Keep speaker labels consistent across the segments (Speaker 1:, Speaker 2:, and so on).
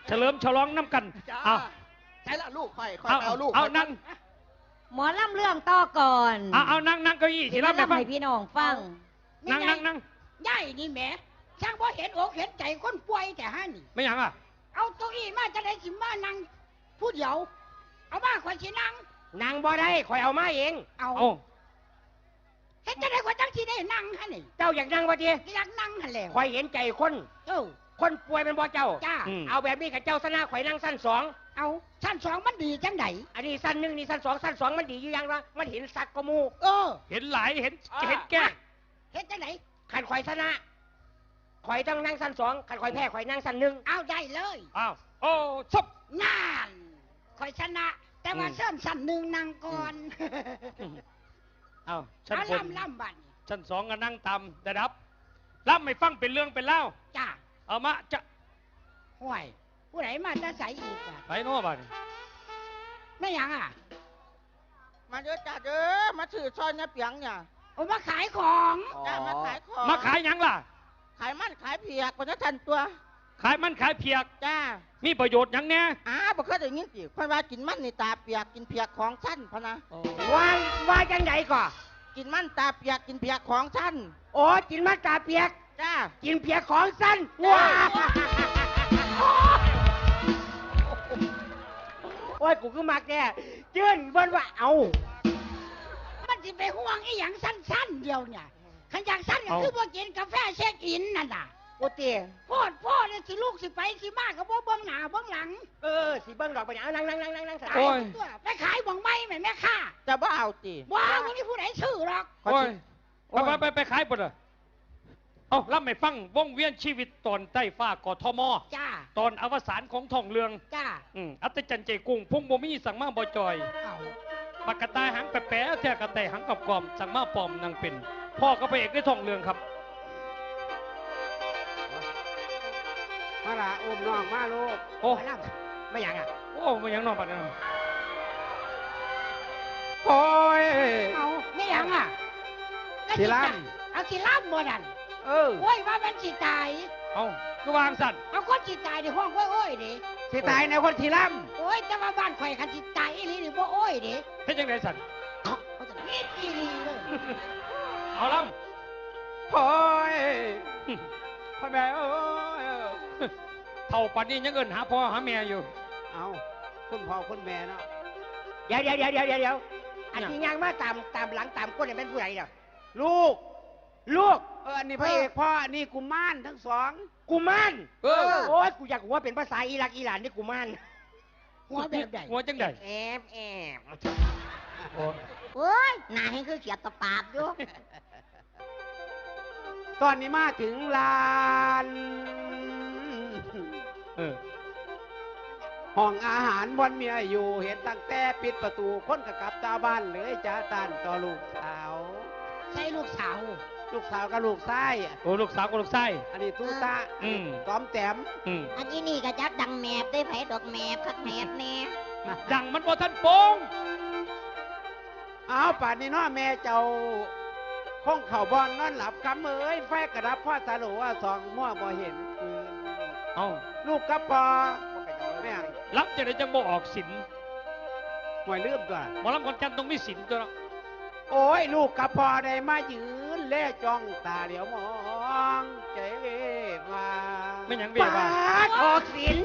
Speaker 1: เฉลิมฉลองน้ำกันเอา
Speaker 2: ใช่ละลูกค่อย
Speaker 1: เอา
Speaker 2: ลูก
Speaker 1: เอานั่ง
Speaker 3: หมอลำเรื่องต่อก่อน
Speaker 1: เอานั่งเก้าอี้สิรับไปฟัง
Speaker 3: ให้พี่น้องฟัง
Speaker 1: นั่ง
Speaker 4: ย่ายนี่แหมช่างบ่เห็นอกเห็นใจคนป่วยแต่ฮะนี่
Speaker 1: ไม่ยังอ่ะ
Speaker 4: เอาตัวอี้มาจะได้สิมานั่งผู้เดียวเอามาข่อยสินั่งบ่ได้ข่อยเอามาเองเอาเห็นจะได้ข่อยจังสิได้นั่งฮะนี่เจ้าอยากนั่งบ่ดีอยากนั่งหั่นแหละข่อยเห็นใจคนคนป่วยเป็นบ่เจ้าจ้าเอาแบบนี้กับเจ้าซะนะข่อยนั่งสั้น2เอาสั้น2มันดีจังไดอันนี้สั้น1นี่สั้น2มันดีอยู่อย่างว่ามันเห็นสักกมู
Speaker 1: เห็นหลายเห็นแก่
Speaker 4: เห็นจังไดขันข่อยชนะข่อยต้องนั่งสั้น2ขันข่อยแพ้ข่อยนั่งสั้น1เอาได้เลย
Speaker 1: อ้าวโอ้ซับ
Speaker 4: งานข่อยชนะแต่ว่าเส้นสั้น1นั่งก่อน
Speaker 1: เอาชั้นบน
Speaker 4: ล่ำบัด
Speaker 1: ชั้น2ก็นั่งต่ำระดับล่ำไม่ฟังเป็นเรื่องเป็นเล่า
Speaker 4: จ้า
Speaker 1: เอามาจะ
Speaker 4: ห่วยผู้ไหนมาจะใส่อีกอ่ะ
Speaker 1: ไปโน่บ้าน
Speaker 4: ไม่ยังอ่ะ
Speaker 2: มาเด้อจ้าเด้อมาถือซอยเนี่ยเปียงเนี่ย
Speaker 4: โอ้มาขายของ
Speaker 2: จ้ามาขายของ
Speaker 1: มาขายยังล่ะ
Speaker 2: ขายมันขายเพียกคนจะทันตัว
Speaker 1: ขายมันขายเพียก
Speaker 2: จ้า
Speaker 1: มีประโยชน์ยังแน่
Speaker 2: บ่เคยได้ยินสิเพราะว่ากินมันนี่ตาเปียกกินเพียกของชั้นพะนะ
Speaker 4: ว่าจังไดก่อ
Speaker 2: กินมันตาเปียกกินเพียกของชั้น
Speaker 4: โอ้กินมันตาเปียก
Speaker 2: จ้า
Speaker 4: กินเพียกของสั้นว้าโอ้ยกูคือมักแน่จื้นเบิ้นว่าเอามันสิไปห่วงไอ้หยังสั้นๆเดียวเนี่ยขันอยากสั้นก็คือบ่กินกาแฟเช็คอินนั่นน่ะโอ้เตี๋ยพ่อเนี่ยสิลูกสิไปสิมาก็บ่เบิ่งหน้าเบิ่งหลังสิเบิ่งดอกไปเนี่ยนั่งสายไปขายบ่งไม้แม่ค่ะ
Speaker 2: จะบ่เอาติ
Speaker 4: บ่เอาบ่มีผู้ใดซื้อหรอก
Speaker 1: โอ้ยไปขายบ่ล่ะเอาล่ำไม่ฟังวงเวียนชีวิตตอนใต้ฟ้ากทม
Speaker 4: จ้า
Speaker 1: ตอนอวสานของท่องเรือง
Speaker 4: จ้า
Speaker 1: อัตจันเจกุ้งพุ่งบ่มีสั่งมาบ่จอยปากกระต่ายหางแปะแท้กระต่ายหางกรอบสั่งมาปลอมนางเป็นพ่อก็ไปเอกได้ท่องเรืองครับ
Speaker 2: มาละอุ้มน้องมาลูก
Speaker 1: โอ้
Speaker 4: ไม่ยังอ่ะ
Speaker 1: โอ้ไม่ยังน้องปัดนะ
Speaker 2: โอ้ย
Speaker 4: เอาไม่ยังอ่ะ
Speaker 2: สิล่
Speaker 4: ำเอาสิล่ำบ่นั่นโอ้ยว่ามันสิตาย
Speaker 1: เอาก็วางสั่น
Speaker 4: เอาคนสิตายในห้องโอ้ยดิ
Speaker 2: สิตายในคนสิล่
Speaker 4: ำโอ้ยแต่ว่าบ้านข่อยคันสิตายอีหลีนี่บ่โอ้ยดิ
Speaker 1: เฮ็ดจังได๋สั่น
Speaker 4: เขาจะนิดอีหลีเลย
Speaker 1: เอาล่ำ
Speaker 2: โอ้ยพ่อแม่โอ้ย
Speaker 1: เท่าปันนี้ยังเอิ้นหาพ่อหาแม่อยู่
Speaker 2: เอาคุณพ่อคุณแม่เนาะ
Speaker 4: เดี๋ยวอันที่ยังมาตามหลังตามก้นเนี่ยเป็นผู้ใดเนาะลูก
Speaker 2: อันนี้พระเอกพ่ออันนี้กุมารทั้งสอง
Speaker 4: กุมารโอ้ยกูอยากหัวเป็นภาษาอิรักอิหร่านนี่กุมารหัวแบบใด
Speaker 1: หัวจังใด
Speaker 4: แอบโอ้ยหน้าให้คือเขียดตะปาบอยู่
Speaker 2: ตอนนี้มาถึงลานห้องอาหารบนเมียอยู่เห็นตั้งแต่ปิดประตูคนกับกลับตาบ้านเลยจ้าตานต่อลูกสาว
Speaker 4: ใช่ลูกสาว
Speaker 2: กับลูกไส้
Speaker 1: โอ้ลูกสาวกับลูกไส้
Speaker 2: อันนี้ตู้ตาต้อมแต้ม
Speaker 4: อันนี้นี่ก็จักดังแมบได้ไผดอกแมบคักแมบแน่
Speaker 1: ดังมันบ่ทันโปง
Speaker 2: เอาป่านนี้เนาะแม่เจ้าห้องเข่าบอลนอนหลับคำเอ้ยไฟกระดับพ่อสารุว่าสองมั่วบ่เห็น
Speaker 1: เอา
Speaker 2: ลูกกับพ่อแม่
Speaker 1: รับจะได้จังบ่ออกสิน
Speaker 2: หวยลืมตัว
Speaker 1: หมอลำคนจันต้องมีสินตัว
Speaker 2: โอ้ยลูกกับพ่อได้มายืนแล่จ้องตาเหลียวมองใจเวมา
Speaker 1: ไม่ยังเวมา
Speaker 4: ออกสิน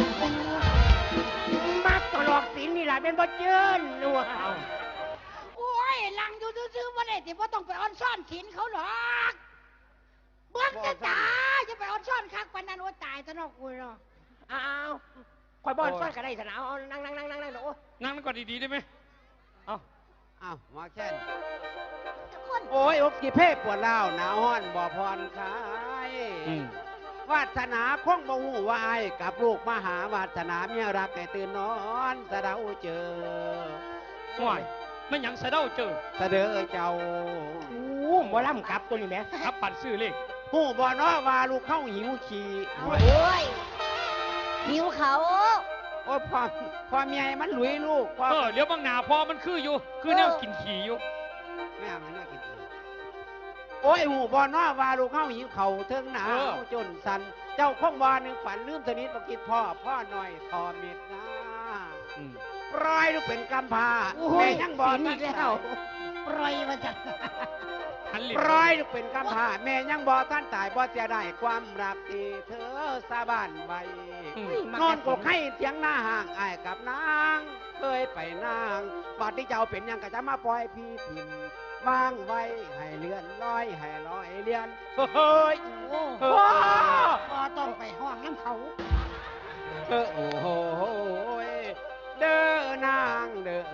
Speaker 4: มาตลอกสินนี่แหละเป็นบ่เจิ้นนัวโอ้ยลังอยู่ซื่อๆว่าได้ที่ว่าต้องไปออนซ่อนสินเขาหรอกเบื้องจ้าจะไปออนซ่อนคักปานนั้นโอ้ตายซะเนาะกูเนาะอ้าวคอยบอนซ่อนกันได้สนามนั่งโอ้
Speaker 1: นั่งก่อนดีๆได้ไหม
Speaker 2: อ้าวมาแค่โอ้ยอกกี่เพ่ปวดเล่าหนาวห้อนบ่พรคายวาสนาคงบ่หูวายกับลูกมหาวาสนาเมียรักให้ตื่นนอนสะเดาเจอ
Speaker 1: ห่วยไม่ยังสะเดาเจอ
Speaker 2: สะเดอเจ้า
Speaker 4: บ่ล่ำกับตัวนี้ไหม
Speaker 1: ครับปั่นซื้อเลข
Speaker 2: หูบ่เนาะว่าลูกเข้าหิวขี่
Speaker 4: โอ้ยหิวเขา
Speaker 2: โอ้ยพอเมียมันหลุยลูก
Speaker 1: เดี๋ยวบางหนาพอมันคืออยู่คือแนวกินขี่อยู่
Speaker 2: แม่มันน่ากินขี่โอ้ยหูบ่เนาะว่าลูกเข้าหิวเขาเทิงหนาวจนสันเจ้าคงวาหนึ่งฝันลืมสนิทบ่คิดพ่อหน่อยทอมิดนะ
Speaker 1: อืม
Speaker 2: ปล่อยลูกเป็นกำพร้า
Speaker 4: โอ้
Speaker 2: แม่
Speaker 4: ย
Speaker 2: ยังบอก
Speaker 4: อีกแล้วปล่อยมาจาก
Speaker 1: หันหลิ
Speaker 2: ปล่อยลูกเป็นกำพร้าแม่ยังบอกท่านตายบ่เสียได้ความรักที่เธอสาบานไว้
Speaker 1: อืม
Speaker 2: นอนกกให้เถียงหน้าห่างอ้ายกับนางเคยไปนางบัดที่เจ้าเป็นหยังก็จะมาปล่อยพี่พิมพ์วางไว้ให้เลื่อนลอยให้ลอยเลื่อนเฮ้ย
Speaker 4: โอ้
Speaker 2: โอ้
Speaker 4: พอต้องไปห้องน้ำเขา
Speaker 2: โอ้โหเด้อนางเด้อ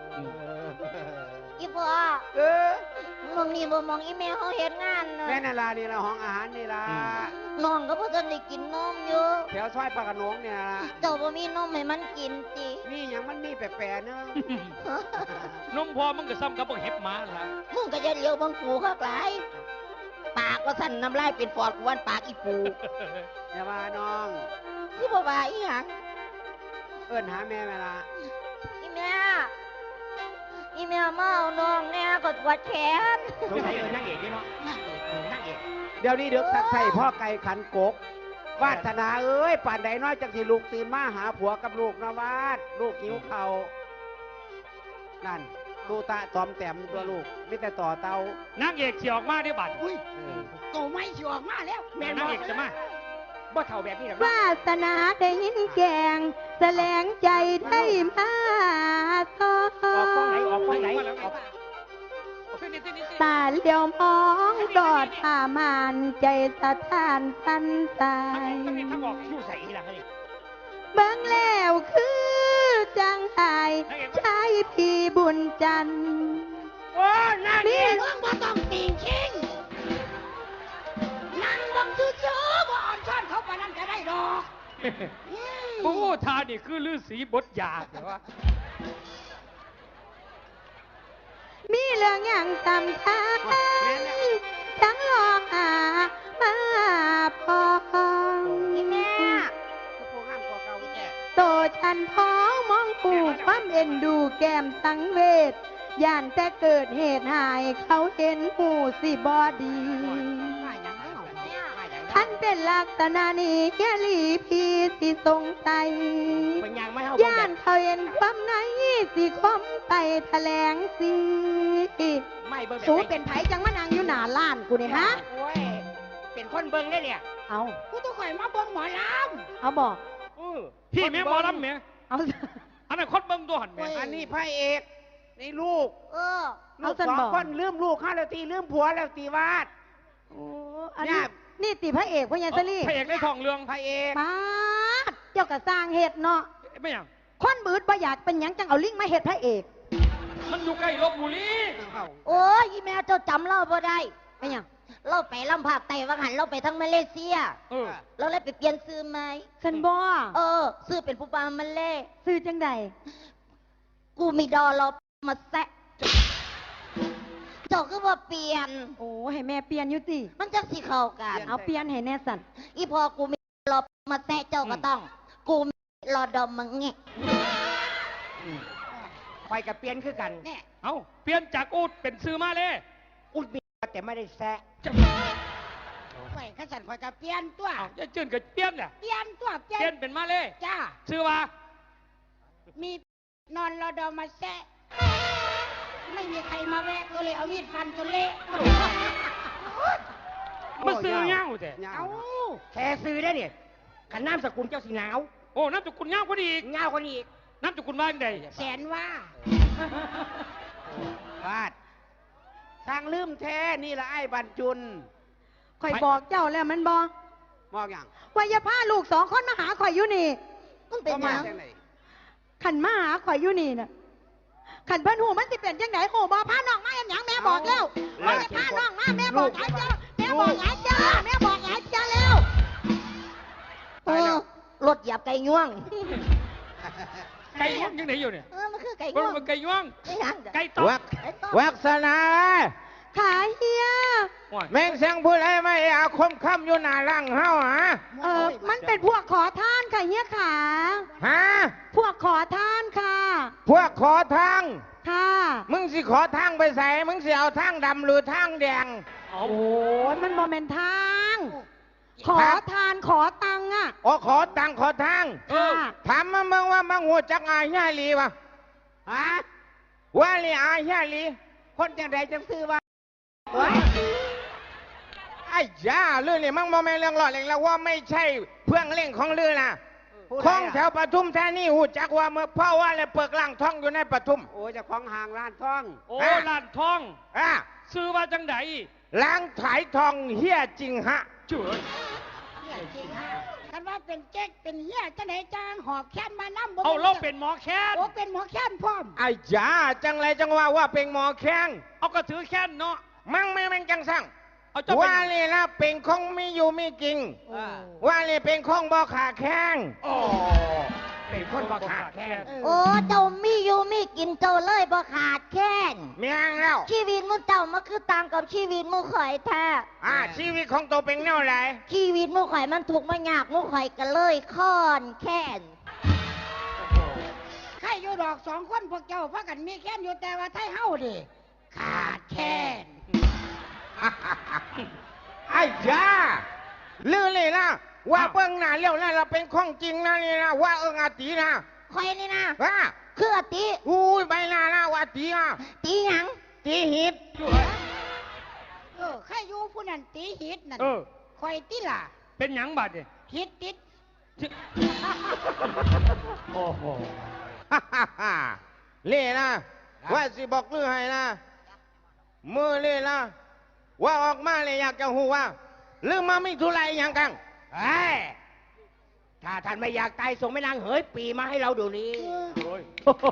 Speaker 3: อีพ่อ
Speaker 2: เออ
Speaker 3: มองนี่บ่มองอีแม่เขาเฮ็ดงานเนอะ
Speaker 2: แม่นาลานี่ละห้องอาหารนี่ละ
Speaker 3: น้องก็บ่ทันได้กินนมอยู่
Speaker 2: แถวซอยปากกระโหนงเนี่ยละ
Speaker 3: เจ้าบ่มีนมให้มันกินติ
Speaker 2: นี่ยังมันมีแปลกๆเนอะ
Speaker 1: นมพอมึงก็ซ้ำกับพวกเห็บหมาล่ะ
Speaker 3: มึงก็จะเลี้ยวบังกูคักหลายปากก็สั่นน้ำลายเป็นปอดกวนปากอีปู
Speaker 2: อย่าว่าน้อง
Speaker 3: ที่บ่ว่าอีหยัง
Speaker 2: เอิ้นหาแม่แม่ละ
Speaker 3: อีแม่อีแม่มาเอาน้องแน่ก็ปวดแขน
Speaker 4: สงสัยนั่งเอกนี่เนาะนั่งเอกนั่งเอก
Speaker 2: เดี๋ยวนี้เด็กสักใส่พ่อไก่ขันกกวาสนาเอ้ยป่านใดน้อยจังที่ลูกตื่นมาหาผัวกับลูกนะวาดลูกหิวเขาวนั่นตูตะตอมแต้มตัวลูกไม่แต่ต่อเตาน
Speaker 1: างเอกสิออกมาได้บัด
Speaker 4: อุ้ย
Speaker 2: เออ
Speaker 4: โตไม่สิออกมาแล้ว
Speaker 1: แม่นางเอกจะมา
Speaker 4: บ่เท่าแบบนี้หรอก
Speaker 5: วาสนาได้ยินแกงแสลงใจได้มาสอ
Speaker 4: ออกฟังไหนออกฟังไหน
Speaker 1: มาแล้ว
Speaker 4: ออก
Speaker 5: ตาเลี้ยวมองดอดผ่ามานใจสะท้านสันสา
Speaker 1: ทั้ง
Speaker 5: ย
Speaker 1: นี้ทั้งออก
Speaker 4: อยู่ใส่อีหลังนี่
Speaker 5: เบิ่งแล้วคือจังไห้ชายพี่บุญจันทร์
Speaker 4: โอ้นั่งเอกมึงบ่ต้องติงชิงนั่งบังซื่อๆบ่อ่อนช้อนเขาปานนั้นจะได้ดอก
Speaker 1: โอ้ทานี่คือฤาษีบทยาแต่ว่า
Speaker 5: มีเรื่องอย่างตำท้ายทั้งหลอกหามาพอ
Speaker 3: อีแม่
Speaker 2: ก็พวกห้ามกว่าเก่าแก่
Speaker 5: โตฉันพ้องมองผูกความเอ็นดูแก้มสังเวชย่านแต่เกิดเหตุหายเขาเห็นหูสิบอดี
Speaker 4: มาหยังเนาะมาหยัง
Speaker 5: ท่านเป็นลักษณะนี้แค่ลีพีสิสงสัย
Speaker 4: เป็นหยังไม่เฮา
Speaker 5: ย่านเขาเห็นความในสิคมไปแถลงสิ
Speaker 4: ไม่เบิ่ง
Speaker 5: สูเป็นไผจังมานางอยู่หน้าล้านกูนี่ฮะ
Speaker 4: โอ้ยเป็นคนเบิ่งได้เนี่ย
Speaker 5: เอา
Speaker 4: กูต้องคอยมาเบิ่งหมอล
Speaker 5: เอาบอก
Speaker 4: ำ
Speaker 1: พี่แม่หมอลำแม่
Speaker 5: เอา
Speaker 1: อันนั้นคนเบิ่งตัวหันแม่
Speaker 2: อันนี้พระเอกนี่ลูก
Speaker 3: เออ
Speaker 2: ลูกสองคนลืมลูกข้าแล้วตีลืมผัวแล้วตีวาด
Speaker 5: โอ้อัน
Speaker 2: เนี่
Speaker 5: นี้
Speaker 2: ย
Speaker 5: นี่ติพระเอกพ่อยันสลี่
Speaker 1: พระเอกในทองเรือง
Speaker 2: พระเอก
Speaker 5: ป้าดเจ้ากะสร้างเหตุเนาะ
Speaker 1: ไม่หยัง
Speaker 5: คนบืดบ่อยากเป็นหยังจังเอาลิงมาเฮ็ดพระเอก
Speaker 1: มันอยู่ใกล้ลบบุรี
Speaker 3: โอ้ยอีแม่เจ้าจำเราบ่ได้
Speaker 5: เป็นหยัง
Speaker 3: เราไปลำภาคใต้ว่าหันเราไปทั้งมาเลเซีย
Speaker 1: เออ
Speaker 3: เราเลยไปเปลี่ยนซื้อไหม
Speaker 5: ฉันบ่
Speaker 3: เออ ซื้อเป็นผู้ปามันเล่
Speaker 5: ซื้อจังใด
Speaker 3: กูมีดอเรามาแซะเจ้าก็ว่าเปลี่ยน
Speaker 5: โอ้ให้แม่เปลี่ยนอยู่ติ
Speaker 3: มันจะสิเข้ากัน
Speaker 5: เอาเปลี่ยนให้แน่สัน
Speaker 3: อีพอกูมีรอมาแซะเจ้าก็ต้อง กูมีรอดอมมังเงะ
Speaker 4: คอยกับเปลี่ยนคือกันเนี่ย
Speaker 1: เอาเปลี่ยนจากอูดเป็นซื้อมาเลย
Speaker 4: อุดมีแต่ไม่ได้แซะไว้ข้าสันคอยกับเปลี่ยนตัว
Speaker 1: เอาจะจืนกับเปลี่ยนแหละ
Speaker 4: เปลี่ยนตัวเปลี่ย
Speaker 1: เปลี่ย
Speaker 4: น
Speaker 1: นเป็นมาเลย
Speaker 4: จ้า
Speaker 1: ซื้อว่า
Speaker 4: มีนอนรอดอมาแซะไม่มีใครมาแวะก็เลยเอามีดฟันจนเละ
Speaker 1: มันซื้อเงาแต่
Speaker 4: เอาแค่ซื้อได้เนี่ยขันน้ำสกุลเจ้าสีหนาว
Speaker 1: โอ้น้ำจุกุลเงาพอดีอีก
Speaker 4: เงาคนอีก
Speaker 1: น้ำจุกุลว่าจังใด
Speaker 4: แสนว่า
Speaker 2: วาดทางลืมแท้นี่ละไอ้บรรจุน
Speaker 5: ข่อยบอกเจ้าแล้วมันบ่
Speaker 2: มองอย่าง
Speaker 5: ว่าอย่าพาลูก2คนมาหาข่อยอยู่นี่
Speaker 3: มันเป็น
Speaker 2: ก็
Speaker 3: ห
Speaker 2: มา
Speaker 3: ยัง
Speaker 2: จากไหน
Speaker 5: ขันมาหาข่อยอยู่นี่น่ะขันเพิ่นหูมันสิเป็นจังไดโหบ่พาน้องมาอย่างหยังแม่บอกแล้วว่าอย่าพาน้องมาแม่บอกหลายเจ้าแม่บอกหลายเจ้าแม่บอกหลายเจ้าแล้ว
Speaker 3: เออรถเหยียบไก่ง่วง
Speaker 1: ไก่ย่วงยังไหนอยู่เนี่ย
Speaker 3: เออ มันคือไก่
Speaker 1: มัน
Speaker 3: ง่วง
Speaker 1: เป็นไก่ย่วง
Speaker 3: ไม่หยังจ้ะ
Speaker 1: ไก่ตอก
Speaker 2: วัก
Speaker 3: ไก่ต้ม
Speaker 2: วักษณา
Speaker 5: ขายเฮีย
Speaker 1: โอ้ย
Speaker 2: แม่งเสียงพูดอะไรไม่อาคมค่ำอยู่หน้าร่างเฮาฮะ
Speaker 5: มันเป็นพวกขอทานค่ะเฮียขา
Speaker 2: ฮะ
Speaker 5: พวกขอทานค่ะ
Speaker 2: พวกขอทาง
Speaker 5: ค่ะ
Speaker 2: มึงสิขอทางไปใส่มึงสิเอาทางดำหรือทางแดง
Speaker 1: เอา
Speaker 5: โอ้ยมันโมเมนทางขอทานขอตังค์อ่ะ
Speaker 2: โอ้ขอตังขอทาง
Speaker 5: ค่ะ
Speaker 2: ถามมาเมืองว่ามังหัวจักอาญาลีวะฮะว่าลีอาญาลีคนจังใดจังซื้อว่าไอ้ย่าเรื่องนี้มังมองไม่เรื่องหลอดเองแล้วว่าไม่ใช่เพื่องเล่งของเรือนะของแถวปทุมแท่นี่หูจักว่าเมื่อพ่อว่าเลยเปิกล่างท้องอยู่ในปทุมโอ้จะของห่างร้านท้อง
Speaker 1: โอ้ล้านทอง
Speaker 2: อ่ะ
Speaker 1: ซื้อว่าจังได
Speaker 2: ล้างถ่ายทองเฮี้ยจริงฮะ
Speaker 1: เจ๋ย
Speaker 4: กันว่าเป็นเจ๊กเป็นเหี้ยจะไหนจางหอบแค้นมานั่ง
Speaker 1: เอาเราเป็นหมอแค้น
Speaker 4: โอ้เป็นหมอแค้นพร้อม
Speaker 2: ไอ้ย่าจังไรจังว่าเป็นหมอแข้ง
Speaker 1: เอาก็ถือแค้นเนาะ
Speaker 2: มั่งไม่แม่งจังสั่ง
Speaker 1: เอาเจ้าเป็
Speaker 2: ว่าน เลยนะเป็นของไม่อยู่ไม่จริง ว่าเลยเป็นของบ่ขาแข้ง
Speaker 1: โอ้เป็นคนบ่ขาดแค้น
Speaker 3: โอ้เจ้ามีอยู่มีกินเจ้าเลยบ่ขาดแค้น
Speaker 2: เมียงแล้ว
Speaker 3: ชีวิตมึงเจ้ามาคือต่างกับชีวิตมึงข่อยแท้
Speaker 2: ชีวิตของตัวเป็นแนวไหน
Speaker 3: ชีวิตมึงข่อยมันถูกข์มายากมึงข่อยก็เลยค้อนแค้น
Speaker 4: ใครอยู่ดอกสองคนพวกเจ้าพากันมีแค้นอยู่แต่ว่าไทยเฮาดิขาดแค้น
Speaker 2: ไอ้ย่าลือเลยนะว่าเปิ้งหน้าเลี้ยวนะเราเป็นของจริงนะนี่นะว่าอาตีนะ
Speaker 3: ข่อยนี่นะ
Speaker 2: ว่า
Speaker 3: คืออติ
Speaker 2: อุ้ยใบหน้านะว่าตีอ่ะ
Speaker 3: ตีหยัง
Speaker 2: ตีหิด
Speaker 4: ใครอยู่ผู้นั้นตีหิตนั่น
Speaker 1: เออ
Speaker 4: คอยติล่ะ
Speaker 1: เป็นหยังบัดเนี่ย
Speaker 4: หิตติด
Speaker 1: โอ้โห
Speaker 2: เล่นะว่าสิบอกลือให้นะมือเล่นะว่าออกมาเลยอยากจะหูว่าลือมาไม่ทุไรอย่างกัน
Speaker 4: เฮ้ยถ้าท่านไม่อยากตายส่งแม่นางเหยปีมาให้เราดูนี้
Speaker 1: โอ้ย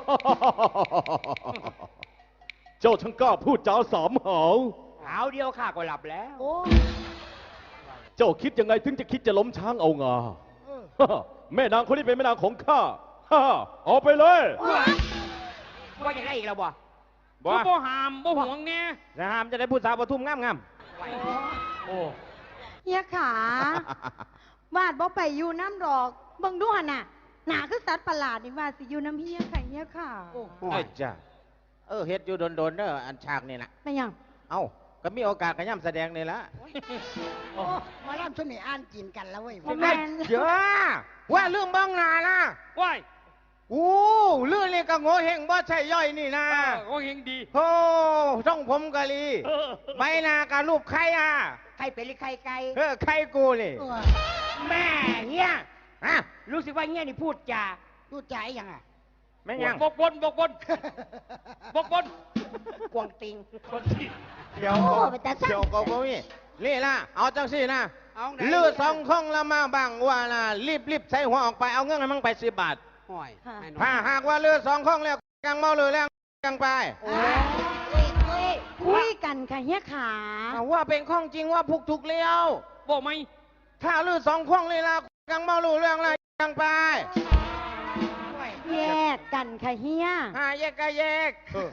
Speaker 6: เจ้าช่างกล้าพูดจาสามหาว
Speaker 4: หาวเดียวข้าก็หลับแล้ว
Speaker 6: เจ้าคิดยังไงถึงจะคิดจะล้มช้างเอางา แม่นางคนนี้เป็นแม่นางของข้า ออกไปเลย
Speaker 4: ว่าอย่างไรอีกแล้วบ่
Speaker 1: บ่บ่หามบ่ห่วงเนี่ย
Speaker 2: นะฮามจะได้พูดสาวปทุมงาม
Speaker 1: โอ้
Speaker 5: เฮียขาวาดบ่ไปอยู่น้ำดอกเบิ่งดูหั่นน่ะหนาคือสัตว์ประหลาดนี่ว่าสิอยู่น้ำเฮียค่ะเฮียค่ะ
Speaker 2: ๆไอ้จ้าเฮ็ดอยู่โดนเด้ออันฉากนี่นะ
Speaker 5: ไม่หยัง
Speaker 2: เอ้าก็มีโอกาสขย่ำแสดงนี่ละ
Speaker 4: โอ้มาล่ำชุดนี้อ่านจีนกันแล้วเว้ย
Speaker 5: บ่แม่น
Speaker 2: เยอะว่าเรื่องบ้องนานะ
Speaker 1: ว้าย
Speaker 2: อู้เรื่องนี้ก็โง่เฮงบ่ใช่ย่อยนี่นะ
Speaker 1: โอ้เฮงดี
Speaker 2: โอ้ช่องผมกะลี
Speaker 1: เออ
Speaker 2: ใบหน้ากับรูปใครอ่ะ
Speaker 4: ใครเป็นหรือใครไกล
Speaker 2: ใครกูเลย
Speaker 4: แม่เฮีย
Speaker 2: ฮะ
Speaker 4: รู้สึกว่าเงี้ยนี่พูดจาพูดจาไอ้ยังอ่ะ
Speaker 2: แม่งยัง
Speaker 1: บกบนบกบนบกบน
Speaker 4: กวางติง
Speaker 1: คนที่
Speaker 2: เดี๋ยว
Speaker 3: โอ้ไปแต่สั่ง
Speaker 2: เดี๋ยวก็มีนี่นะเอาจังสินะ
Speaker 4: เอาไหน
Speaker 2: เลือดสองข้องละมาบังว่านะรีบใส่หัวออกไปเอาเงินให้มันไป10 บาท
Speaker 4: ห่วย
Speaker 5: ค่ะ
Speaker 2: ถ้าหากว่าเลือดสองข้องแล้วกังเมาเลยแล้วกังไป
Speaker 5: คุยกันค่ะเฮียขา
Speaker 2: ว่าเป็นข้องจริงว่าพุกถูกเลี้ยว
Speaker 1: บ่ไหม
Speaker 2: ถ้าเลือดสองข้องเลยละกังเมารู้เรื่องแล้วกังไป
Speaker 5: แยกกันค่ะเฮีย
Speaker 2: แยกก็แยก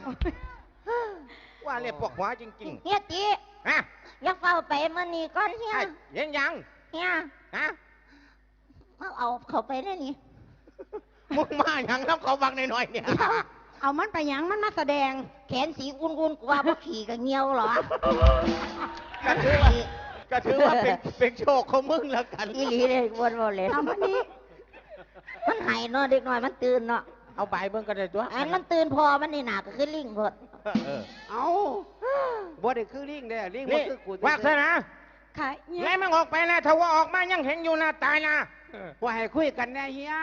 Speaker 2: ว่าเรียกปวกหัวจริง
Speaker 3: เฮียติ
Speaker 2: ๆฮะ
Speaker 3: อยักเฝ้าไปมื้อนี้ก่อนเฮีย
Speaker 2: ยัง
Speaker 3: เฮีย
Speaker 2: ฮะ
Speaker 3: เอาเข้าไปได้นี่
Speaker 2: มึงมาอย่างน้ำเขาบังหน่อยๆเนี่ย
Speaker 5: เอามันไปหยังมันมาแสดง
Speaker 3: แขนสีอุ่นๆกว่าบ่ขี่ก็เหี่ยวเหรอ
Speaker 2: ก็ถือว่าเป็นโชคของมึงแล้วกัน
Speaker 3: อีหลีเลยวนบ่เลย
Speaker 5: เอามันนี้
Speaker 3: มันหายเนาะเด็กน้อยมันตื่นเนาะ
Speaker 2: เอาใบเบิ่งก็ได้ตัว
Speaker 3: อันมันตื่นพอมันนี่หนาก็คือลิงพด
Speaker 2: เอาบ่ได้คือลิงเด้อลิงบ่
Speaker 7: นี่
Speaker 2: คือกู
Speaker 7: ว่าซะนะ
Speaker 5: ค่ะเฮีย
Speaker 7: ไล่มันออกไปนะถ้าว่าออกมายังเห็นอยู่นะตายนะ
Speaker 2: ว่าให้คุยกันแน่เฮีย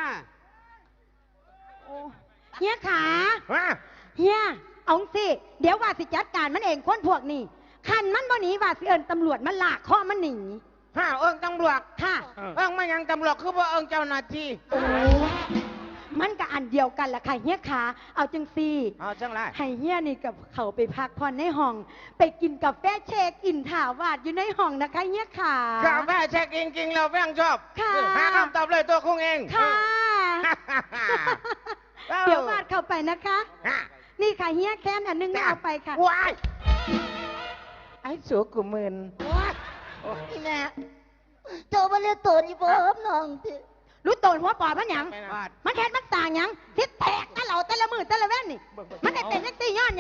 Speaker 5: เฮียขา
Speaker 7: ว่า
Speaker 5: เฮียเอาสิเดี๋ยวว่าสิจัดการมันเองคนพวกนี้คันมันบ่หนีว่าสิเอิญตำรวจมันลากข้อมันหนี
Speaker 7: ถ้าเอิงตำรวจ
Speaker 5: ค่ะ
Speaker 7: เอิงมายังตำรวจคือว่าเอิงเจ้าหน้าที่
Speaker 5: มันก็อันเดียวกันแหละค่ะเฮียขาเอาจังซี่
Speaker 7: เอาจังไร
Speaker 5: ให้เฮียนี่กับเขาไปพักผ่อนในห้อง ไปกินกาแฟเชคอินถาวาดอยู่ในห้องนะคะเฮียขาก
Speaker 7: าแฟเช็คจริงๆเราแป้งชอบ
Speaker 5: ค่ะ
Speaker 7: หาคำตอบเลยตัวคงเอง
Speaker 5: ค่ะ
Speaker 7: เอ้า
Speaker 5: เดี๋ยววาดเข้าไปนะคะ
Speaker 7: ฮะ
Speaker 5: นี่ค่ะเฮียแค้นอันนึงไม่เอาไปค่ะ
Speaker 7: ว้ายไอ้สัวกูมึน
Speaker 3: นี่แม่เจ้าบ่เรียกตัวนี่บ่ครับน้องติ
Speaker 5: รู้โตนหัวปอดมันหยัง มันแค้นมันต่างหยังทิศแตกนั่นเหล่าแต่ละมือแต่ละแว่นนี่ มันได้เป็นนักตีย้อนหยัง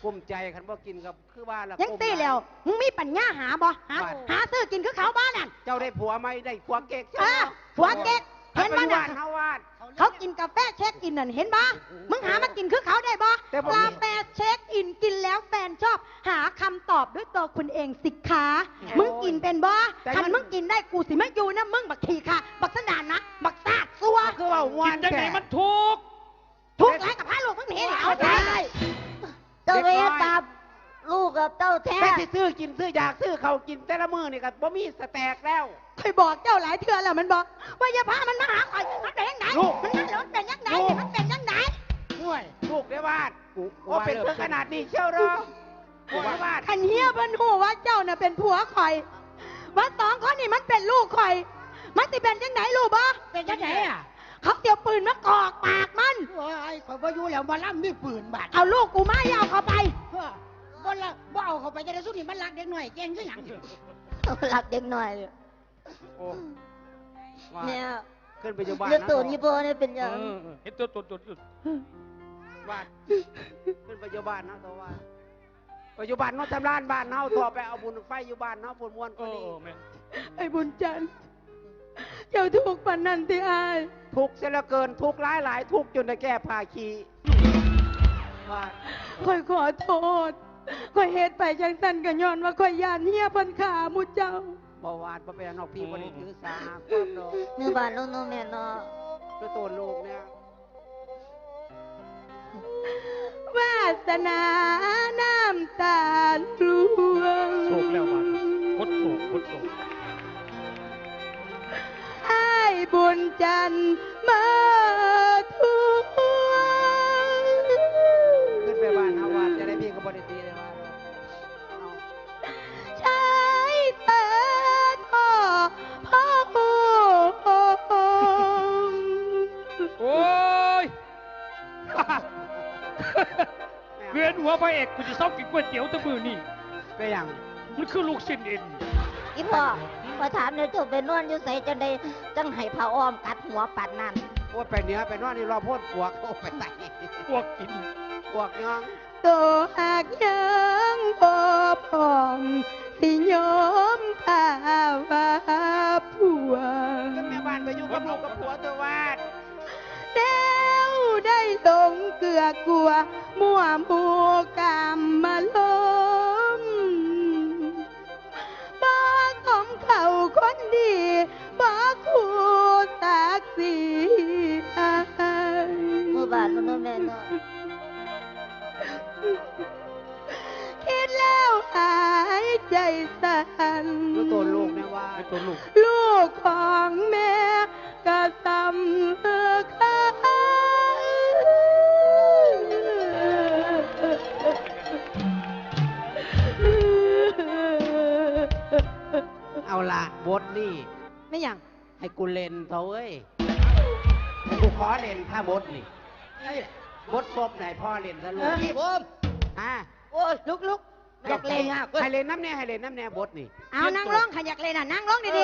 Speaker 2: กุ้มใจคันบ่กินกับคือว่าละ
Speaker 5: ยัง
Speaker 2: กุ้ม
Speaker 5: ตี
Speaker 2: หาย
Speaker 5: แล้วมึงมีปัญญาหาบ่หา
Speaker 2: ว่า
Speaker 5: หาซื้อกินคือเขาบ้านนั่น
Speaker 2: เจ้าได้ผัวไหมได้ผัวเก๊ก
Speaker 5: เออผัวเก๊กเห็นบ้าน
Speaker 2: บ้า
Speaker 5: นั่
Speaker 2: น
Speaker 5: น
Speaker 2: เฮาวาด
Speaker 5: เขากินกาแฟเช็คอินนั่นเห็นบ่มึงหามากินคือเขาได้บ่
Speaker 2: แต่ผม
Speaker 5: กาแฟเช็คอินกินแล้วแฟนชอบ หาคำตอบด้วยตัวคุณเองสิคะมึงกินเป็นบ่คันมึงกินได้กูสิไม่อยู่นะมึงบักขี้ค่ะ บักสนานนะบักซาดซัว
Speaker 2: คือว่ามว
Speaker 1: กิ
Speaker 2: น
Speaker 1: นจังไหน
Speaker 2: แท้
Speaker 1: มันถูก
Speaker 5: ทุกข์ไรกับพระลูกมึงหนีนี่เอาใจ
Speaker 3: เจ้าไปเฮ็ดตามลูกกับเจ้าแท้
Speaker 2: แต่สิซื้อกินซื้ออยากซื้อเขากินแต่ละมื้อนี่ก็บ่มีสแต็กแล้ว
Speaker 5: เคยบอกเจ้าหลายเทื่อแล้วมันบอกว่าอย่าพามันมาหาข่อยมันเป็นยังไง
Speaker 2: ลูก
Speaker 5: มันนั่นแล้วมันเป็นยังไง
Speaker 2: ลูก
Speaker 5: มันเป็นยังไง
Speaker 2: ด้วยลูกได้วาดโอ้เป็นเพื่อขนาดนี้เชียวเหรอกูว่าวาด
Speaker 5: ขันเฮียเพิ่นหูว่าเจ้าน่ะเป็นผัวข่อยว่าสองคนนี่มันเป็นลูกข่อย มันสิเป็นยังไงลูกบ่
Speaker 4: เป็นจังไหนอ่ะ
Speaker 5: เขาเตียวปืนมากอกปากมัน
Speaker 4: โอ้ยข่อยบ่อยู่แล้วมาล่ำมีปืนบาด
Speaker 5: เอาลูกกูมาอย่าเอาเขาไป
Speaker 4: เพื่อบ่ละบ่เอาเข้าไปจะได้สู้นี่มันรักเด็กหน่อยเก่งคือหยัง
Speaker 3: หลักเด็กหน่อยเลย
Speaker 2: โอ้ว่า
Speaker 3: เนี่ย
Speaker 2: ขึ้นไปอยู่บ้าน
Speaker 3: เรื่อง
Speaker 2: นะ
Speaker 3: ตัวนี้โบเนี่ยเป็นยัง
Speaker 1: เห็นตัว
Speaker 2: วาดขึ้นไปอยู่บ้านนะตัววาดไปอยู่บ้านเนาะทำร้านบ้านเฮาตัวไปเอาบุญไฟอยู่บ้านเฮาปุ่นมวน
Speaker 1: เอ
Speaker 2: ก็ดี
Speaker 1: อแม่
Speaker 5: ไอ้บุญจันทร์เจ้าถูกปานนันที่อาย
Speaker 2: ทุกข์เสียเหลือเกินทุกข์หลายทุกข์จนได้แก้ภาคีวาด
Speaker 5: ข่อยขอโทษข่อยเฮ็ดไปจังสันก็ย้อนว่าข่อยยานเฮียเพันขาหมุเจ้า
Speaker 2: บ่วาดบ่เป็นนอกพี่บ่ได้ถือสาหาความดอก
Speaker 3: เนื้อบานลูกน้องแม่เนาะ
Speaker 2: คือตัวลูกเนี่ย
Speaker 5: วาสนาน้ำตาลลวง
Speaker 1: โศกแล้วบาดพดโศก
Speaker 5: ไอ้ายบุญจันทร์มาทวง
Speaker 2: ขึ้นไปบ้านเฮาวาดจะได้พี่ก็บ่ได้ตีเลยว่าเอา
Speaker 5: ใช้แต่ท่อพ่อโ
Speaker 1: โอ้ย เวียนหัวพระเอกกูจะเศร้ากินก๋วยเตี๋ยวแตะมือนี่
Speaker 2: ก็อย่าง
Speaker 1: มันคือลูกชิ้นเอ็น
Speaker 3: อีพ่อมาถามเนี่ยเจ้าไปนอนอยู่ใส่จังได้จังให้พระอ้อมกัดหัวปัดนั่น
Speaker 2: โอ้ยไปเหนือไปนอนนี่รอพ่นปวกโอ้ไปใส่
Speaker 1: พวกกิน
Speaker 2: ปวกยัง
Speaker 5: ตัวหากยังบ่พร้อมสิยอมข้าว่าผัว
Speaker 2: ขึ้นแม่บ้านไปอยู่กับลูกกับผัวตัววาด
Speaker 5: แล้วได้ลงเกลือกลัว มั่วหมูกามมาล้มบ้าของเขาคนดีบ้าคู่ตักสีอาย
Speaker 3: เมื่อบานลูกน้องแม่เนาะ
Speaker 5: คิดแล้วหายใจสั่น
Speaker 2: ดูตัวลูกเนี่ยว่า
Speaker 1: ไอ้ตัวลูก
Speaker 5: ลูกของแม่ก็สำคัญ
Speaker 2: เอาละบทนี่
Speaker 5: ไม่อย่าง
Speaker 2: ให้กูเล่นเถอะเว้ยให้กูขอเล่นถ้าบทนี่บทศพไหนพ่อเล่นซะลูก
Speaker 4: พี่ผม
Speaker 2: อ่ะ
Speaker 4: โอ้ยลุกอยากเล่นอ่ะ
Speaker 2: ให้เล่นน้ำแน่ให้เล่นน้ำแน่บทนี่
Speaker 5: เอานั่งร้องขยักเลยน่ะนั่งร้องดี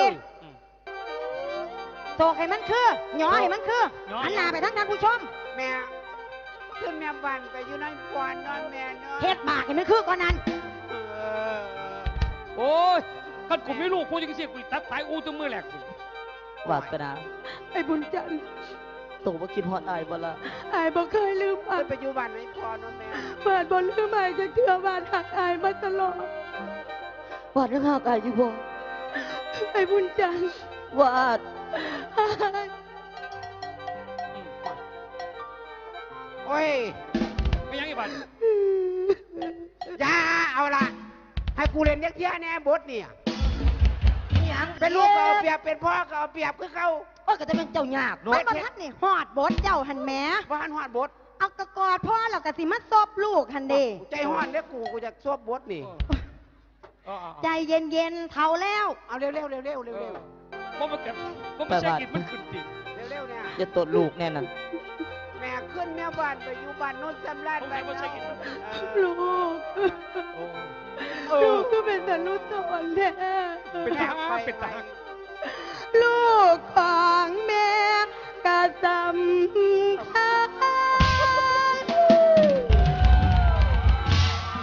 Speaker 5: ๆโตกให้มันคือหยอให้มันคือหันหน้าไปทั้งท่านผู้ชม
Speaker 2: แม่ขึ้นแม่บ้านไปอยู่ในควันนอนแม่เนาะ
Speaker 5: เฮ็ดบากให้มันคือก่อนนั้น
Speaker 2: เออ
Speaker 1: โอ้ยคันกูไม่ลูกพูดจังซี่กูตัดสายอูตัวมือแหลกกู
Speaker 7: วาสนา
Speaker 5: ไอ้บุญจันทร์
Speaker 7: ตัวบ่คิดฮอดอายบ่ละ
Speaker 5: อายบ่เคยลืม
Speaker 2: ขึ้นไปอยู่บ้านในพ่อนอนแม่
Speaker 5: เปิดบนลืมอายจะเชื่อบ้านหักอายมาตลอด
Speaker 7: วาดยังหากายอยู่บ่
Speaker 5: ไอ้บุญจันทร์
Speaker 7: วาด
Speaker 2: โอ้ย
Speaker 1: ไม่ยังอีบัน
Speaker 2: อย่าเอาละให้กูเล่นเด็กเที่ยแน่บทเนี่ย
Speaker 4: ยัง
Speaker 2: เป็นลูกก็เอาเปรียบเป็นพ่อก็เอาเปรียบคือเขา
Speaker 4: โอ้ยก็จะเป็นเจ้ายาก
Speaker 5: มันบ่ทันนี่ฮอดบทเจ้าหันแหม
Speaker 2: ว่าหันหอดบท
Speaker 5: เอากระกอดพ่อแล้วก็สิมาซบลูกหันเด้
Speaker 2: ใจหอนเด้อกูจะซวบบทนี่
Speaker 5: ใจเย็นๆเท่าแล้ว
Speaker 2: เอาเร็วๆเร็วๆเร็วๆเร็ว
Speaker 1: เพราะมันเก็บเพราะมันใช้กินมันขึ้นติ
Speaker 2: ๆเร็วๆเนี่ย
Speaker 7: อย่าตดลูกแน่นั่น
Speaker 2: แม่ขึ้นแม่บ้านไปอยู่บ้านโน้นจำราดไป
Speaker 1: ผมใช้กิน
Speaker 5: ลูก
Speaker 1: โอ้
Speaker 5: ลูกก็เป็นแต่ลูกตนแท้
Speaker 1: เป็นทหารเป็นทหาร
Speaker 5: ลูกของแม่ก็สำคัญ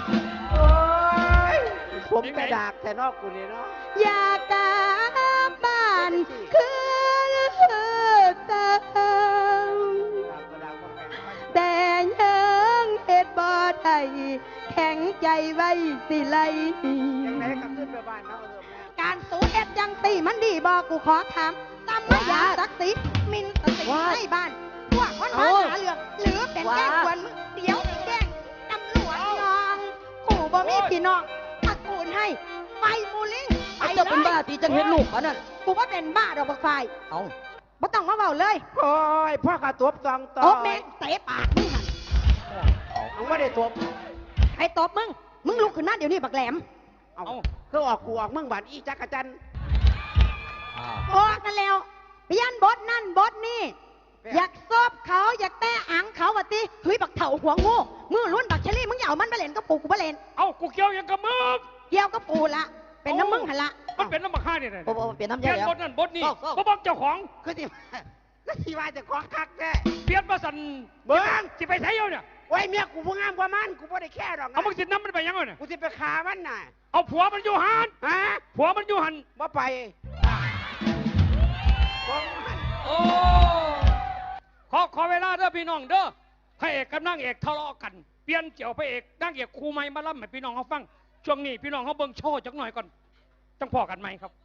Speaker 1: งไหน
Speaker 2: กระดากแต่นอกกูนี่เนาะ
Speaker 5: อยากกลับบ้านคือเติม
Speaker 2: กระดากบ่แข็งไป
Speaker 5: แต่ยังเฮ็ดบ่ได้แข็งใจไว้สิไล
Speaker 2: ยังไงก็ขึ้นไปบ้านเนาะเออแม่
Speaker 5: การสูเฮ็ดจังตีมันดีบ่กูขอถามตำมายาศักดิ์ศรีมินสติให้บ้านพวกคนมาหาเรื่องหรือเป็นแกล้งกวนมึงเดี๋ยวสิแกล้งตำรวจน้องกูบ่มีพี่น้องตระกูลให้ไปมูลิงไปเลย
Speaker 7: เจ้าเป็นบ้าตีจังเห็นลูกเขานั่น
Speaker 5: กูว่าเป็นบ้าดอกบักไฟ
Speaker 7: เอา
Speaker 5: บ่ต้องมาเว้าเลย
Speaker 2: โอ้ยพ่อกระตบตองต่อ
Speaker 5: โอ้แม่งเตะปากมึงหั่น
Speaker 2: มึงไม่ได้ตบ
Speaker 5: ไอ้ตบมึงลุกขึ้นมาเดี๋ยวนี้บักแหลม
Speaker 2: เอาคือออกกูออกมึงบาดอีจักรจันทร์
Speaker 5: ออกกันแล้วเปลี่ยนบทนั่นบทนี่อยากซบเขาอยากแตะอังเขาวะติเฮ้ยบักเถ่าหัวงูมือล้วนบักเชลี่มึงอย่าเอามันไปเล่นกับปูกูไปเล่น
Speaker 1: เอากูเกี่ยวยังกับมึง
Speaker 5: เกี่ยวกับปูละเป็นน้ำมึงหันละ
Speaker 1: มันเป็นน้ำมาฆ่าเนี่ยนะ
Speaker 7: โอ้โหเปลี่ยนน้ำ
Speaker 1: เป
Speaker 7: ใจ
Speaker 1: ลี่ยน
Speaker 7: แล้ว
Speaker 1: บทนั่นบทนี่
Speaker 7: เศร้า
Speaker 1: บ่บอกเจ้าของ
Speaker 2: คือที่ก็ที่ว่าจะของคักแท้
Speaker 1: เปลี่ยนมาสั่น
Speaker 2: เบิ้ง
Speaker 1: สิไปใช้เอาเนี่ย
Speaker 2: ไว้เมียกูผู้งามกว่ามันกูไม่ได้แค่หรอกนะ
Speaker 1: เอามึงสิน้ำมันไปยังไงเนี่ย
Speaker 2: กูจะไปฆ่ามันน่ะ
Speaker 1: เอาผัวมันอยู่หัน
Speaker 2: ฮะ
Speaker 1: ผัวมันอยู่หัน
Speaker 2: บ่ไปบ่มัน
Speaker 1: โอ้ขอเวลาเด้อพี่น้องเด้อพระเอกกับนางเอกทะเลาะกันเปลี่ยนเกี่ยวพระเอกนางเอกครูใหม่มาล่ำให้พี่น้องเขาฟังช่วงนี้พี่น้องเขาเบิ่งโชว์จักหน่อยก่อนต้องพอกันไหมครับ